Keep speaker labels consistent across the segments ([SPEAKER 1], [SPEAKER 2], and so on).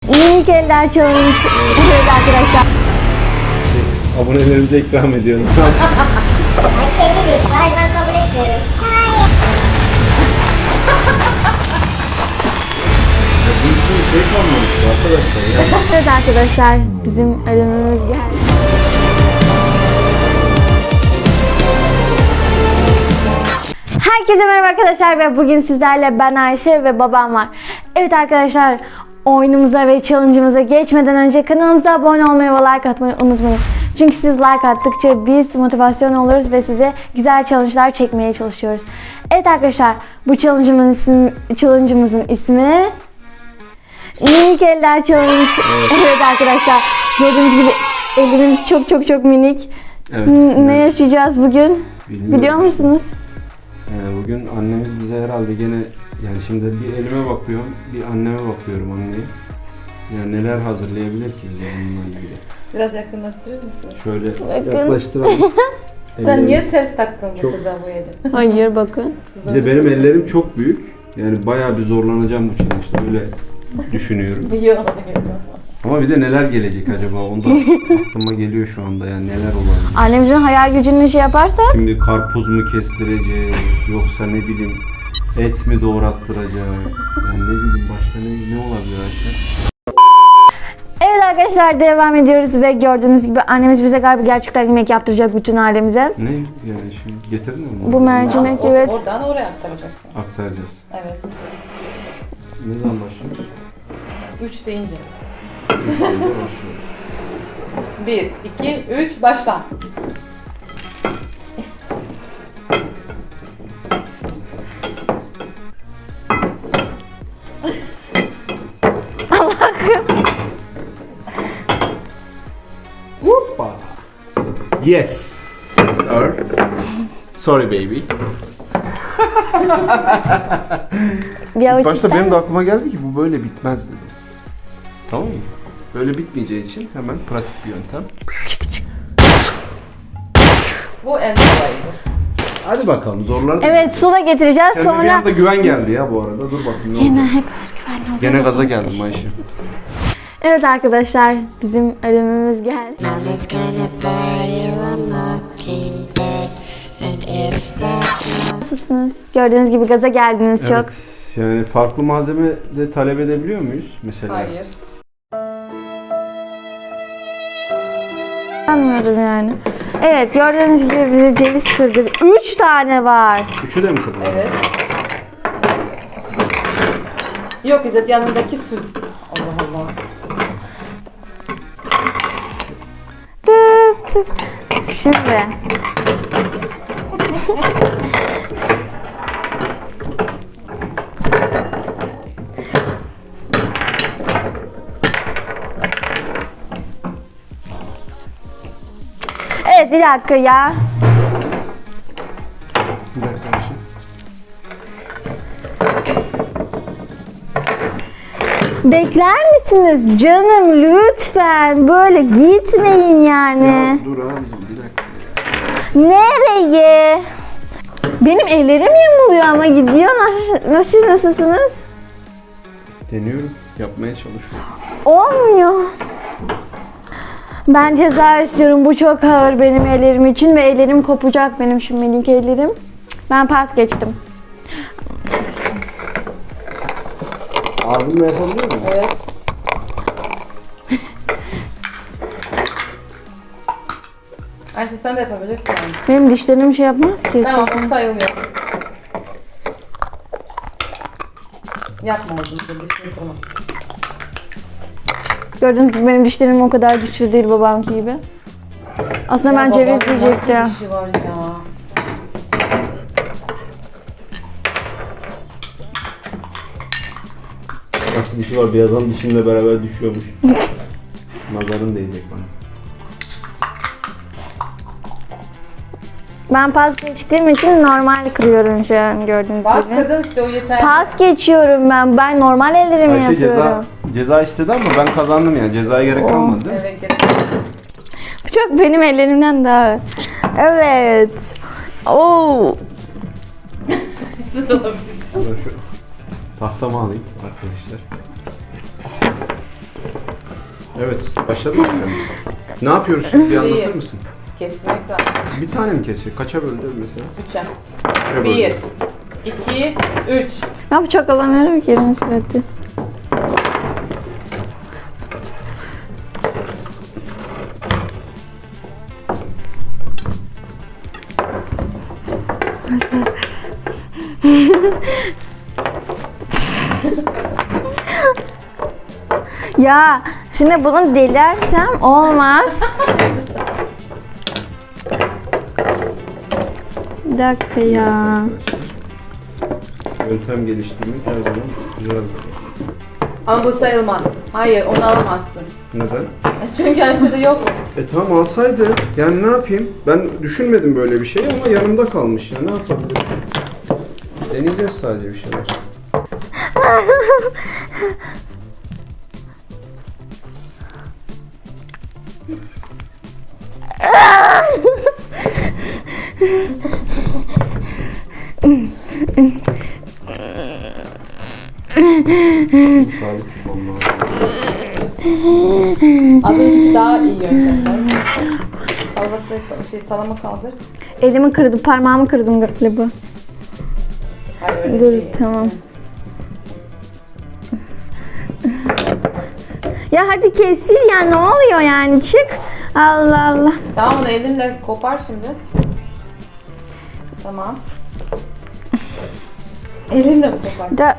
[SPEAKER 1] Minik eller challenge. Evet arkadaşlar.
[SPEAKER 2] Abonelerimize ikram ediyorum.
[SPEAKER 3] Şeyde değil. Hayır ben kabul etmiyorum. Hayır.
[SPEAKER 2] Bu işin şey kalmamış arkadaşlar ya.
[SPEAKER 1] Evet arkadaşlar, bizim ödememiz geldi. Herkese merhaba arkadaşlar ve bugün sizlerle ben Ayşe ve babam var. Evet arkadaşlar, oyunumuza ve challenge'ımıza geçmeden önce kanalımıza abone olmayı ve like atmayı unutmayın. Çünkü siz like attıkça biz motivasyon oluruz ve size güzel challenge'lar çekmeye çalışıyoruz. Evet arkadaşlar, bu challenge'ımızın ismi Minik Eller Challenge. Evet arkadaşlar, gördüğünüz gibi ellerimiz çok minik.
[SPEAKER 2] Evet.
[SPEAKER 1] Ne yaşayacağız bugün?
[SPEAKER 2] Bilmiyorum.
[SPEAKER 1] Biliyor musunuz?
[SPEAKER 2] Bugün annemiz bize herhalde gene yani şimdi bir elime bakıyorum, bir anneme bakıyorum anneye. Yani neler hazırlayabilir ki bize bununla ilgili?
[SPEAKER 4] Biraz yakınlaştırır mısın?
[SPEAKER 2] Şöyle
[SPEAKER 1] Bakın.
[SPEAKER 2] yaklaştıralım.
[SPEAKER 4] Sen niye ters taktın bu
[SPEAKER 2] Çok-
[SPEAKER 4] kıza bu eli?
[SPEAKER 1] Hayır bakın.
[SPEAKER 2] Bir de benim ellerim çok büyük. Yani bayağı bir zorlanacağım bu challenge'da öyle düşünüyorum.
[SPEAKER 4] Yok.
[SPEAKER 2] Ama bir de neler gelecek acaba? Onda aklıma geliyor şu anda yani neler olabilir?
[SPEAKER 1] Annemizin hayal gücünü şey yaparsa
[SPEAKER 2] Şimdi karpuz mu kestireceğiz yoksa ne bileyim et mi doğrattıracak? Yani ne bileyim başka ne olabilir Ayşe?
[SPEAKER 1] evet arkadaşlar, devam ediyoruz ve gördüğünüz gibi annemiz bize galiba gerçekten yemek yaptıracak bütün ailemize.
[SPEAKER 2] Ne yani şimdi getirdin mi bunu?
[SPEAKER 1] Bu mercimek, evet.
[SPEAKER 4] Oradan oraya aktaracaksın.
[SPEAKER 2] Aktaracağız.
[SPEAKER 4] Evet.
[SPEAKER 2] Ne zaman başlıyoruz?
[SPEAKER 4] 3 deyince.
[SPEAKER 2] 3 ayda başlıyoruz.
[SPEAKER 4] 1, 2, 3 başla.
[SPEAKER 2] Hoppa. Yes. Sir. Sorry baby.
[SPEAKER 1] Bir avuç
[SPEAKER 2] Başta
[SPEAKER 1] ister
[SPEAKER 2] benim de
[SPEAKER 1] misin?
[SPEAKER 2] aklıma geldi ki bu böyle bitmez dedim. Tamam mı? Böyle bitmeyeceği için hemen pratik bir yöntem.
[SPEAKER 4] Bu en kolayıydı.
[SPEAKER 2] Hadi bakalım zorlar.
[SPEAKER 1] Evet, su da getireceğiz
[SPEAKER 2] Kendime bir
[SPEAKER 1] sonra.
[SPEAKER 2] anda güven geldi ya bu arada. Dur bakayım ne
[SPEAKER 1] Yine
[SPEAKER 2] olacak.
[SPEAKER 1] hep özgüvenli olacak.
[SPEAKER 2] Gene gaza geldim Ayşe.
[SPEAKER 1] Evet arkadaşlar, bizim ödememiz geldi.
[SPEAKER 5] Mama's gonna buy you a mockingbird, and if that
[SPEAKER 1] Nasılsınız? Gördüğünüz gibi gaza geldiniz çok.
[SPEAKER 2] Evet. Yani farklı malzeme de talep edebiliyor muyuz mesela?
[SPEAKER 4] Hayır.
[SPEAKER 1] Anladım yani. Evet, gördüğünüz gibi bize ceviz kırdı. 3 tane var.
[SPEAKER 2] Üçü de mi kadar?
[SPEAKER 4] Evet. Yok İzzet, yanındaki süs. Allah Allah.
[SPEAKER 1] Tıt tıt. Şimdi. Evet, bir dakika ya.
[SPEAKER 2] Bir dakika Ayşe.
[SPEAKER 1] Bekler misiniz canım lütfen? Böyle gitmeyin yani.
[SPEAKER 2] Ya dur abicim bir dakika.
[SPEAKER 1] Nereye? Benim ellerim yamuluyor ama gidiyorlar. Siz nasılsınız?
[SPEAKER 2] Deniyorum. Yapmaya çalışıyorum.
[SPEAKER 1] Olmuyor. Ben ceza istiyorum. Bu çok ağır benim ellerim için ve ellerim kopacak benim şu minik ellerim. Ben pas geçtim.
[SPEAKER 2] Ağzımla yapabiliyor muyum?
[SPEAKER 4] Evet. Ayşe sen de yapabilirsin. Yani.
[SPEAKER 1] Benim dişlerim şey yapmaz ki.
[SPEAKER 4] Tamam,
[SPEAKER 1] Çok-
[SPEAKER 4] bu sayılıyor. Yapma oğlum, dişini kırma.
[SPEAKER 1] Gördüğünüz gibi benim dişlerim o kadar güçlü değil babamki gibi. Aslında ben
[SPEAKER 4] Ya
[SPEAKER 1] ceviz
[SPEAKER 4] babanın
[SPEAKER 1] yiyecektim.
[SPEAKER 4] nasıl dişi var ya.
[SPEAKER 2] Nasıl dişi var? Bir adam dişimle beraber düşüyormuş. Nazarın değecek bana.
[SPEAKER 1] Ben pas geçtiğim için normal kırıyorum şu an gördüğünüz
[SPEAKER 4] Bak
[SPEAKER 1] gibi.
[SPEAKER 4] kadın işte o yeter.
[SPEAKER 1] Pas geçiyorum ben. Ben normal ellerimi
[SPEAKER 2] Ayşe
[SPEAKER 1] yapıyorum.
[SPEAKER 2] ceza istedi ama ben kazandım yani. Cezaya gerek kalmadı değil mi?
[SPEAKER 4] Evet, gerek.
[SPEAKER 1] Bu çok benim ellerimden daha ağır. Evet. Oo.
[SPEAKER 2] Ben şu tahtamı alayım arkadaşlar. Evet, başladı mı? Ne yapıyoruz şimdi? Bir anlatır
[SPEAKER 4] Değil.
[SPEAKER 2] mısın?
[SPEAKER 4] Kesmek lazım.
[SPEAKER 2] Bir tane mi kesiyor? Kaça böleceğiz mesela?
[SPEAKER 4] 3'e.
[SPEAKER 2] Kaça
[SPEAKER 4] 1,
[SPEAKER 2] böleceğiz?
[SPEAKER 4] 2, 3.
[SPEAKER 1] Ben bıçak alamıyorum ki elini sürekli. Ya şimdi bunu delersem olmaz. Bir dakika ya.
[SPEAKER 2] Yöntem geliştirmek her zaman güzel.
[SPEAKER 4] Ama bu sayılmaz. Hayır, onu alamazsın.
[SPEAKER 2] Neden?
[SPEAKER 4] Çünkü Ayşe'de yok.
[SPEAKER 2] Tamam alsaydı. Yani ne yapayım? Ben düşünmedim böyle bir şey ama yanımda kalmış ya. Ne yapabilirim? Deneyeceğiz sadece bir şeyler. Sağlık tutmam lazım.
[SPEAKER 4] Az önceki daha iyi yöntemler. Salama kaldır.
[SPEAKER 1] Elimi kırdım, parmağımı kırdım galiba.
[SPEAKER 4] Hayır öyle
[SPEAKER 1] Dur
[SPEAKER 4] değil.
[SPEAKER 1] tamam. Ya hadi kesil ya, ne oluyor yani, çık. Allah Allah.
[SPEAKER 4] Tamam, onu elinle kopar şimdi. Tamam. Elinle kopar.
[SPEAKER 1] Da...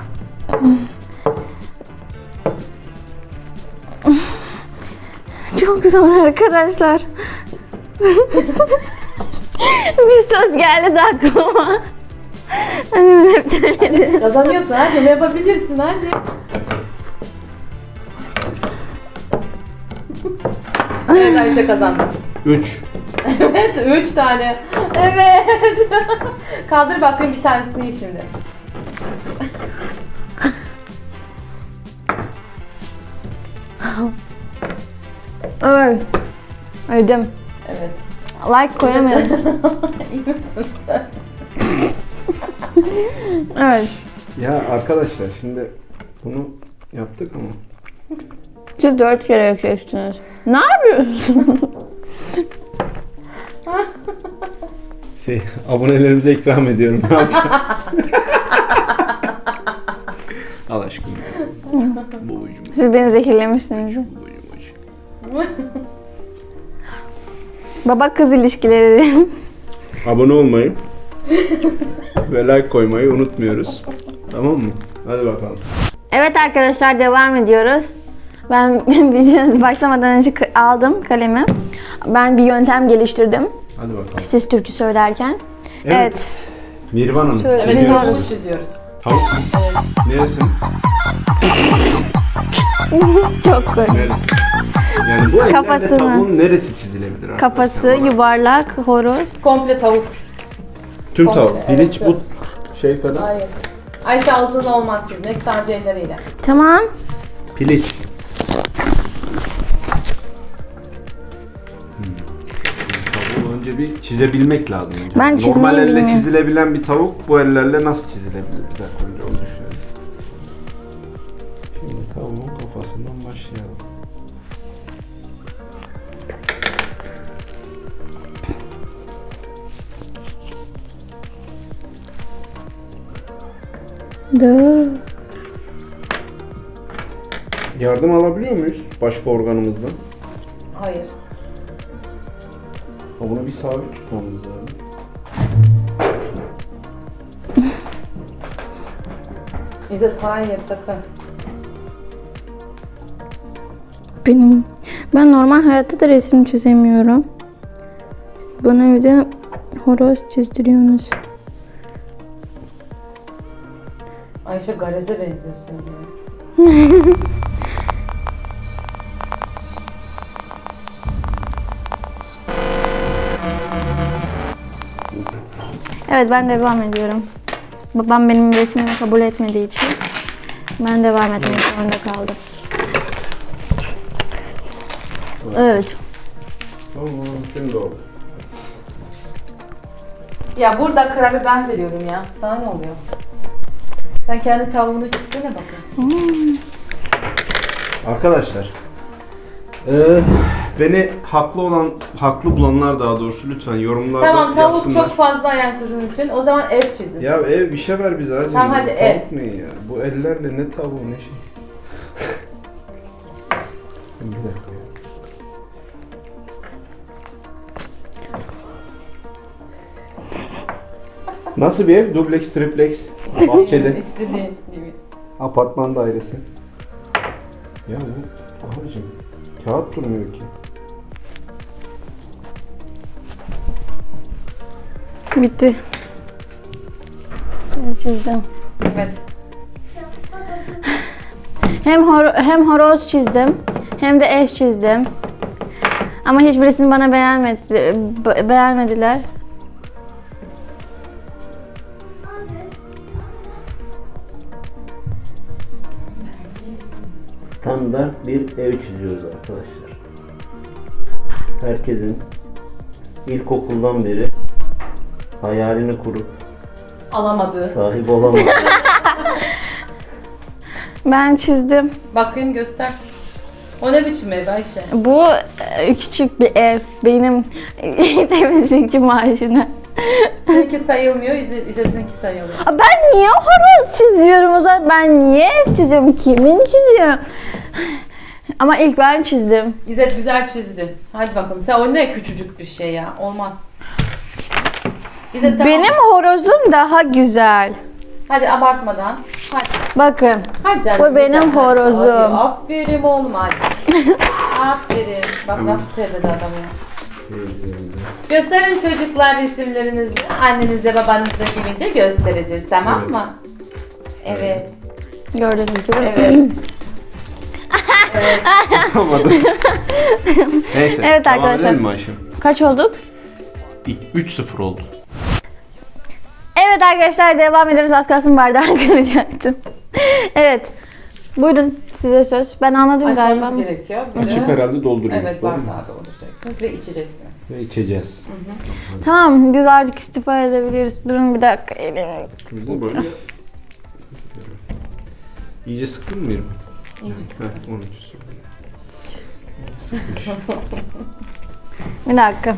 [SPEAKER 1] Çok zor arkadaşlar. Bir söz geldi de aklıma. Annem hep söyledi.
[SPEAKER 4] Kazanıyorsun hadi, ne yapabilirsin hadi. Evet, Ayşe kazandı.
[SPEAKER 2] 3.
[SPEAKER 4] Evet, 3 tane. Evet. Kaldır bakayım bir tanesini iyi şimdi.
[SPEAKER 1] Evet. Öldüm.
[SPEAKER 4] Evet.
[SPEAKER 1] Like koyamıyorum.
[SPEAKER 4] İyi misin sen?
[SPEAKER 1] Evet.
[SPEAKER 2] Ya arkadaşlar şimdi bunu yaptık ama
[SPEAKER 1] Siz 4 kere kestiniz. Ne yapıyorsun?
[SPEAKER 2] abonelerimize ikram ediyorum. Ne yapacağım? Al aşkım. Babacım.
[SPEAKER 1] Siz beni zehirlemişsiniz. Baba kız ilişkileri.
[SPEAKER 2] Abone olmayı ve like koymayı unutmuyoruz. Tamam mı? Hadi bakalım.
[SPEAKER 1] Evet arkadaşlar, devam ediyoruz. Ben videonuz başlamadan önce aldım kalemi. Ben bir yöntem geliştirdim.
[SPEAKER 2] Hadi bakalım.
[SPEAKER 1] Siz türkü söylerken. Evet.
[SPEAKER 2] Mirvan Hanım.
[SPEAKER 1] Şöyle
[SPEAKER 2] ne
[SPEAKER 1] bir
[SPEAKER 2] diyorsun?
[SPEAKER 1] doğru.
[SPEAKER 4] Bunu çiziyoruz.
[SPEAKER 2] Tavuk. Neresi?
[SPEAKER 1] Çok komik.
[SPEAKER 2] Neresi? Yani bu ellerde
[SPEAKER 1] Kafasını.
[SPEAKER 2] tavuğun neresi çizilebilir arkadaşlar?
[SPEAKER 1] Kafası
[SPEAKER 2] Bana.
[SPEAKER 1] yuvarlak, horoz.
[SPEAKER 4] Komple tavuk.
[SPEAKER 2] Tüm
[SPEAKER 4] komple,
[SPEAKER 2] tavuk.
[SPEAKER 4] evet,
[SPEAKER 2] Piliç
[SPEAKER 4] tüm.
[SPEAKER 2] bu şey kadar.
[SPEAKER 4] Hayır. Ayşe ağzını olmaz çizmek, sadece elleriyle.
[SPEAKER 1] Tamam.
[SPEAKER 2] Piliç. Tavuğu önce bir çizebilmek lazım. Önce.
[SPEAKER 1] Ben çizmeyi
[SPEAKER 2] Normal elle
[SPEAKER 1] bilmiyorum.
[SPEAKER 2] çizilebilen bir tavuk bu ellerle nasıl çizilebilir? Bir dakika önce onu düşünelim. Şimdi tavuğun kafasından başlayalım.
[SPEAKER 1] Dı.
[SPEAKER 2] Yardım alabiliyor muyuz başka organımızdan?
[SPEAKER 4] Hayır.
[SPEAKER 2] Ha, bunu bir sabit tutmamız lazım.
[SPEAKER 4] İzzet hayır sakın.
[SPEAKER 1] Ben normal hayatta da resim çizemiyorum. Siz bana bir de horoz çizdiriyorsunuz.
[SPEAKER 4] Ayşe Garez'e benziyorsun ya.
[SPEAKER 1] Evet, ben devam ediyorum. Babam benim resmimi kabul etmediği için ben devam etmek zorunda kaldım. Evet.
[SPEAKER 2] Tamam, şimdi oldu.
[SPEAKER 4] Ya burada kararı ben veriyorum ya. Sana ne oluyor? Sen kendi tavuğunu çizsene bakın.
[SPEAKER 2] Arkadaşlar, Beni haklı bulanlar daha doğrusu lütfen yorumlarda
[SPEAKER 4] Tamam, tavuk
[SPEAKER 2] yazsınlar.
[SPEAKER 4] çok fazla yani sizin için. O zaman ev çizin.
[SPEAKER 2] Ya ev bir şey ver bize hacı.
[SPEAKER 4] Tamam, hadi
[SPEAKER 2] Tavuk ne ya? Bu ellerle ne tavuğu ne şey. Bir dakika ya. Nasıl bir ev? Dubleks, tripleks, bahçeli,
[SPEAKER 4] İstediğin gibi.
[SPEAKER 2] apartman dairesi. Ya bu abicim kağıt durmuyor ki.
[SPEAKER 1] Bitti. Ben çizdim.
[SPEAKER 4] Evet.
[SPEAKER 1] Hem horoz çizdim hem de ev çizdim. Ama hiçbirisini bana beğenmediler.
[SPEAKER 2] Standart bir ev çiziyoruz arkadaşlar. Herkesin ilkokuldan beri hayalini kurup
[SPEAKER 4] Alamadı.
[SPEAKER 2] sahip olamadığı
[SPEAKER 1] Ben çizdim.
[SPEAKER 4] Bakayım, göster. O ne biçim ev Ayşe?
[SPEAKER 1] Bu küçük bir ev. Benim temizlikçi maaşına.
[SPEAKER 4] Seninki sayılmıyor, İzzet'inki sayılıyor.
[SPEAKER 1] Ben niye horoz çiziyorum o zaman? Ben niye ev çiziyorum? Kimin çiziyorum? Ama ilk ben çizdim.
[SPEAKER 4] İzzet güzel çizdi. Hadi bakalım. Sen o ne küçücük bir şey ya. Olmaz. İzzet tamam.
[SPEAKER 1] Benim horozum daha güzel.
[SPEAKER 4] Hadi abartmadan. Hadi.
[SPEAKER 1] Bakın.
[SPEAKER 4] Hadi canım.
[SPEAKER 1] Bu benim
[SPEAKER 4] Hadi.
[SPEAKER 1] horozum.
[SPEAKER 4] Hadi. Aferin oğlum hadi. Aferin. Bak nasıl terledi adam ya. Gösterin çocuklar resimlerinizi. Annenize babanıza gelince göstereceğiz, tamam
[SPEAKER 2] Evet.
[SPEAKER 4] mı? Evet.
[SPEAKER 1] Gördüğünüz gibi.
[SPEAKER 4] Evet. Evet.
[SPEAKER 2] Tutamadım. Neyse.
[SPEAKER 1] Evet
[SPEAKER 2] devam
[SPEAKER 1] arkadaşlar.
[SPEAKER 2] edelim mi Ayşem?
[SPEAKER 1] Kaç olduk?
[SPEAKER 2] 3-0 oldu.
[SPEAKER 1] Evet arkadaşlar devam ediyoruz. Az kalsın bardağı kıracaktım. Evet. Buyurun size söz. Ben anladım galiba.
[SPEAKER 4] Açmamız gerekiyor. Bir de-
[SPEAKER 2] Açık herhalde dolduruyoruz.
[SPEAKER 4] Evet,
[SPEAKER 2] doğru mu?
[SPEAKER 4] bardağı dolduracaksınız ve içeceksiniz.
[SPEAKER 2] Ve içeceğiz.
[SPEAKER 1] Tamam biz artık istifa edebiliriz. Durun bir dakika elimi.
[SPEAKER 2] Bu böyle. İyice sıktın mı yerimi?
[SPEAKER 4] İyice
[SPEAKER 2] Heh, onun için sorun. Sıkmış.
[SPEAKER 1] Bir dakika.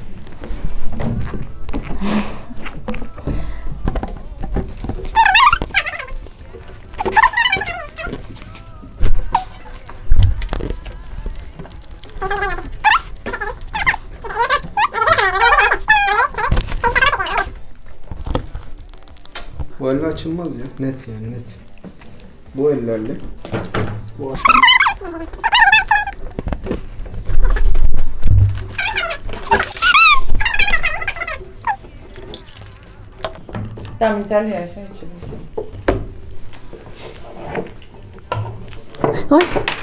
[SPEAKER 2] Bu elle açılmaz ya. Net yani net. Bu ellerle. Bu
[SPEAKER 4] Tamam, yeterli ya. Şöyle içebilirsin.
[SPEAKER 1] Ay.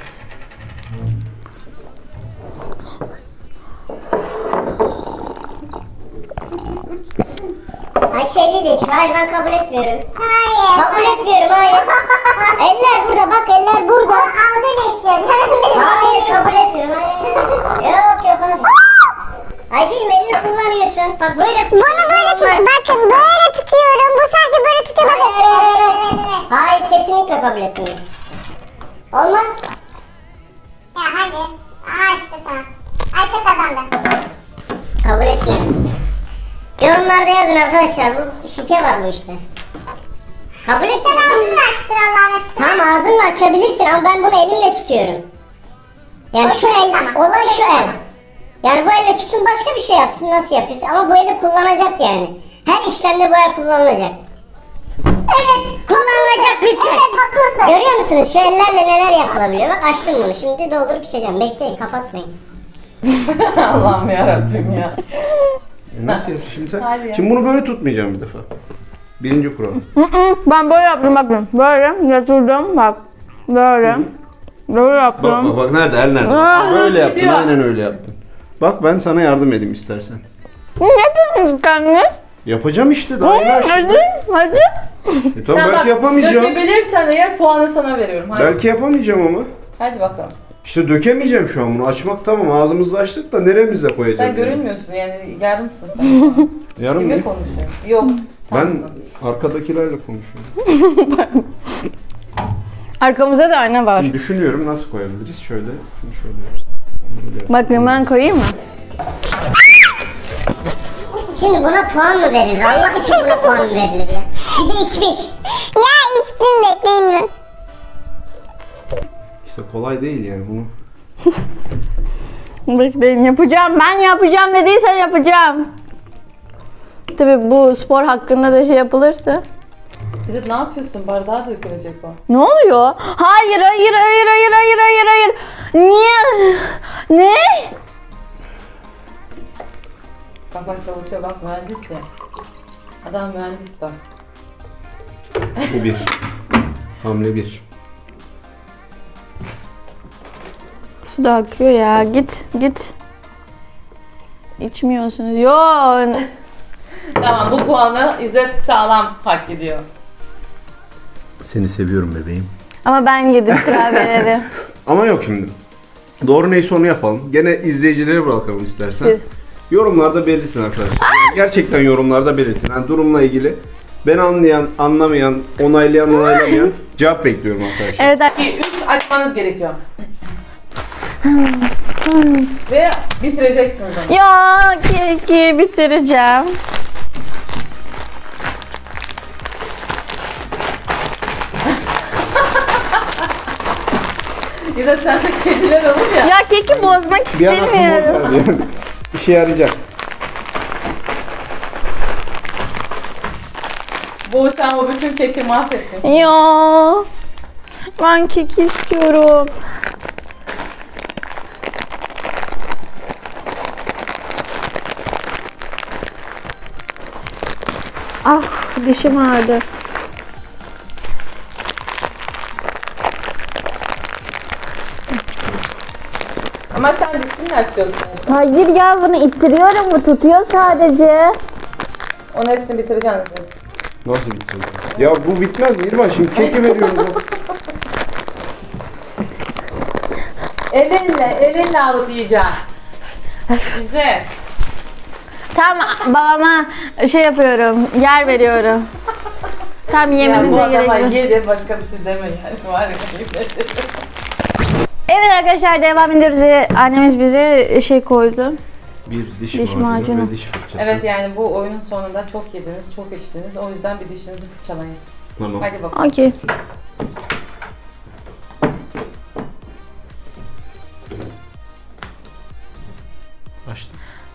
[SPEAKER 3] Ayşe ne diyor? Hayır ben kabul etmiyorum. Hayır. Kabul etmiyorum hayır. Eller burada bak eller burada. Ağzıyla içiyor. Hayır kabul etmiyorum. Hayır. Yok abi. Ayşe'cim elini kullanıyorsun. Bak böyle. Bunu böyle tut. Bakın böyle tutuyorum. Bu sadece böyle tutuyorum. Hayır kesinlikle kabul etmiyorum. Olmaz.
[SPEAKER 6] Ya hadi. İşte sana. Ayşe kazandı.
[SPEAKER 3] Kabul etmiyorum. Yorumlarda yazın arkadaşlar. Bu şike var bu işte. Kabul et.
[SPEAKER 6] Sen ağzını açtır Allah'ın aşkına.
[SPEAKER 3] Tamam ağzınla açabilirsin ama ben bunu elimle tutuyorum. Yani şu el, olay şu el. Yani bu elle tutsun başka bir şey yapsın nasıl yapıyorsun ama bu eli kullanacak yani. Her işlemde bu el kullanılacak. Evet kullanılacak lütfen.
[SPEAKER 6] Evet haklısın.
[SPEAKER 3] Görüyor musunuz şu ellerle neler yapılabiliyor? Bak açtım bunu şimdi doldurup içeceğim. Bekleyin kapatmayın.
[SPEAKER 4] Allah'ım yarabbim ya.
[SPEAKER 2] nasıl yapayım şimdi sen?
[SPEAKER 4] Hadi ya.
[SPEAKER 2] Şimdi bunu böyle tutmayacağım bir defa. Birinci kural.
[SPEAKER 1] Ben böyle yaptım bakın. Böyle yatırdım bak. Böyle. Böyle yaptım.
[SPEAKER 2] Bak nerede el nerede?
[SPEAKER 1] Aa,
[SPEAKER 2] Böyle yaptın
[SPEAKER 4] gidiyor.
[SPEAKER 2] aynen öyle yaptın. Bak ben sana yardım edeyim istersen.
[SPEAKER 1] Ne yapıyorsunuz kendiniz?
[SPEAKER 2] Yapacağım işte daha yeni açtım.
[SPEAKER 1] Hadi.
[SPEAKER 2] Tamam
[SPEAKER 4] Sen
[SPEAKER 2] belki
[SPEAKER 4] bak,
[SPEAKER 2] yapamayacağım.
[SPEAKER 4] dökebilirsen eğer puanı sana veriyorum. Hadi.
[SPEAKER 2] Belki yapamayacağım ama.
[SPEAKER 4] Hadi bakalım.
[SPEAKER 2] İşte dökemeyeceğim şu an bunu. Açmak tamam ağzımızı açtık da neremize koyacağız?
[SPEAKER 4] Sen
[SPEAKER 2] yani?
[SPEAKER 4] görünmüyorsun yani yarımsın sen.
[SPEAKER 2] Yarım
[SPEAKER 4] Kimle
[SPEAKER 2] mı?
[SPEAKER 4] konuşuyorsun? Yok.
[SPEAKER 2] Ben
[SPEAKER 4] tamsın.
[SPEAKER 2] arkadakilerle konuşuyorum.
[SPEAKER 1] Arkamızda da ayna var.
[SPEAKER 2] Şimdi düşünüyorum nasıl koyabiliriz? Şöyle, şunu şöyle yapacağız.
[SPEAKER 1] Bakın ben koyayım mı?
[SPEAKER 3] Şimdi buna puan mı verilir? Allah için buna puan mı verilir ya? Bir de içmiş.
[SPEAKER 6] Ya içtim bekleyin mi?
[SPEAKER 2] İşte kolay değil yani bunu.
[SPEAKER 1] Bekleyin yapacağım. Ben yapacağım dediysen yapacağım. Tabii bu spor hakkında da şey yapılırsa.
[SPEAKER 4] İzzet ne yapıyorsun? Bardağa dökülecek o.
[SPEAKER 1] Ne oluyor? Hayır, hayır, hayır, hayır, hayır, hayır, hayır. Niye? Ne?
[SPEAKER 4] Bak bak çalışıyor bak mühendis ya. Adam mühendis bak.
[SPEAKER 2] Bu bir. Hamle bir.
[SPEAKER 1] Su da akıyor ya. Git, git. İçmiyorsunuz. Yo.
[SPEAKER 4] Tamam bu puanı İzzet sağlam hak ediyor.
[SPEAKER 2] Seni seviyorum bebeğim.
[SPEAKER 1] Ama ben yedim kurabiyeleri.
[SPEAKER 2] Ama yok şimdi. Doğru neyse onu yapalım. Gene izleyicilere bırakalım istersen.
[SPEAKER 1] Siz.
[SPEAKER 2] Yorumlarda belirtin arkadaşlar. Yani gerçekten yorumlarda belirtin. Yani durumla ilgili ben anlayan, anlamayan, onaylayan, onaylamayan cevap bekliyorum arkadaşlar.
[SPEAKER 1] Evet,
[SPEAKER 4] 2, 3 açmanız gerekiyor. Ve bitireceksiniz onu.
[SPEAKER 1] ya keki bitireceğim.
[SPEAKER 4] İzzet sen de kediler olur ya.
[SPEAKER 1] Ya keki bozmak
[SPEAKER 2] Bir an aklıma
[SPEAKER 1] istemiyorum.
[SPEAKER 2] geldi yani. İşe yarayacak.
[SPEAKER 4] Bu sen o bütün keki mahvettin.
[SPEAKER 1] Ya ben keki istiyorum. Ah dişim ağrıdı.
[SPEAKER 4] Ama sen dişini açıyorsun.
[SPEAKER 1] Hayır ya bunu ittiriyorum, bu tutuyor sadece.
[SPEAKER 4] Onun hepsini bitireceksin İzzet.
[SPEAKER 2] Nasıl bitsin? Ya bu bitmez Mirvan, şimdi keki veriyorum.
[SPEAKER 4] Elinle alıp yiyeceksin. İzzet.
[SPEAKER 1] Tamam babama şey yapıyorum, yer veriyorum. Tam
[SPEAKER 4] Ya bu
[SPEAKER 1] yemenize
[SPEAKER 4] adama
[SPEAKER 1] gerek yok.
[SPEAKER 4] ye de başka bir şey deme yani. Var ya.
[SPEAKER 1] Evet arkadaşlar devam ediyoruz. Annemiz bize şey koydu.
[SPEAKER 2] Bir diş,
[SPEAKER 1] Diş
[SPEAKER 2] macunu
[SPEAKER 1] macunu.
[SPEAKER 2] ve diş fırçası.
[SPEAKER 4] Evet yani bu oyunun sonunda çok yediniz, çok içtiniz. O yüzden bir dişinizi fırçalayın.
[SPEAKER 2] Tamam.
[SPEAKER 4] Hadi bakalım.
[SPEAKER 1] Okey.
[SPEAKER 2] Açtım.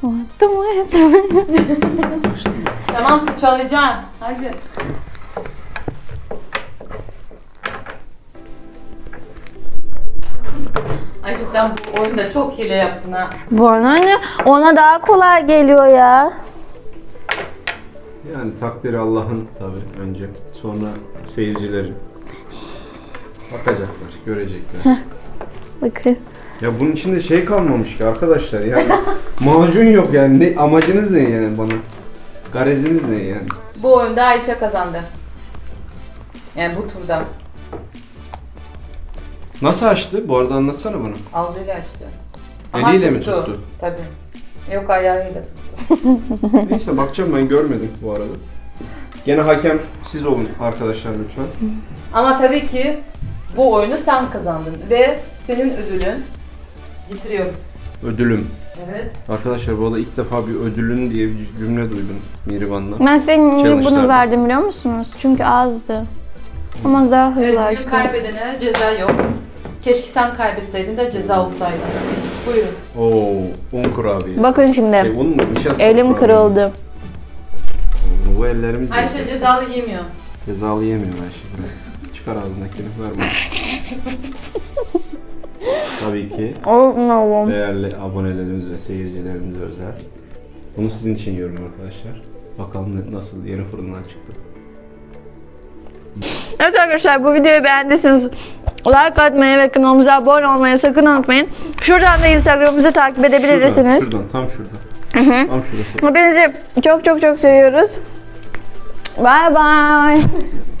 [SPEAKER 4] Tamam fırçalayacaksın. Hadi. Ayşe sen bu oyunda çok hile yaptın ha.
[SPEAKER 1] Bu anne ona daha kolay geliyor ya.
[SPEAKER 2] Yani takdiri Allah'ın tabii önce. Sonra seyircilerin. Bakacaklar, görecekler.
[SPEAKER 1] Bakın.
[SPEAKER 2] Ya bunun içinde şey kalmamış ki arkadaşlar yani. Macun yok yani. Ne, amacınız ne yani bana? Gareziniz ne yani?
[SPEAKER 4] Bu oyunda Ayşe kazandı. Yani bu turda.
[SPEAKER 2] Nasıl açtı? Bu arada anlatsana bana.
[SPEAKER 4] Ağzıyla açtı.
[SPEAKER 2] Eliyle mi tuttu?
[SPEAKER 4] Tabii. Yok ayağıyla tuttu.
[SPEAKER 2] Neyse bakacağım, ben görmedim bu arada. Gene hakem siz olun arkadaşlar lütfen.
[SPEAKER 4] Ama tabii ki bu oyunu sen kazandın ve senin ödülün getiriyorum.
[SPEAKER 2] Ödülüm.
[SPEAKER 4] Evet.
[SPEAKER 2] Arkadaşlar bu arada ilk defa bir ödülün diye bir cümle duydum Mihriban'dan.
[SPEAKER 1] Ben size niye bunu
[SPEAKER 2] Challenge'larda.
[SPEAKER 1] verdim biliyor musunuz? Çünkü azdı. Ama daha hızlı
[SPEAKER 4] Evet, bugün
[SPEAKER 1] açtı.
[SPEAKER 4] kaybedene ceza yok. Keşke sen kaybetseydin de ceza olsaydı. Buyurun.
[SPEAKER 2] Oo, un kurabiye.
[SPEAKER 1] Bakın şimdi.
[SPEAKER 2] Un mu? Nişasta
[SPEAKER 1] Elim
[SPEAKER 2] kurabiye.
[SPEAKER 1] kırıldı.
[SPEAKER 2] Bu ellerimiz
[SPEAKER 4] Ayşe
[SPEAKER 2] yiyeceğiz.
[SPEAKER 4] cezalı yemiyor.
[SPEAKER 2] Cezalı yemiyor Ayşe. Çıkar ağzındakini, ver bana. Tabii ki
[SPEAKER 1] Olmam.
[SPEAKER 2] değerli abonelerimiz ve seyircilerimize özel. Bunu sizin için yiyorum arkadaşlar. Bakalım nasıl yeni fırından çıktı.
[SPEAKER 1] Evet arkadaşlar bu videoyu beğendiyseniz like atmayı ve kanalımıza abone olmayı sakın unutmayın. Şuradan da Instagram'ımızı takip edebilirsiniz.
[SPEAKER 2] Şuradan, tam şurada. Tam şurası.
[SPEAKER 1] Hepinizi çok çok çok seviyoruz. Bye bye.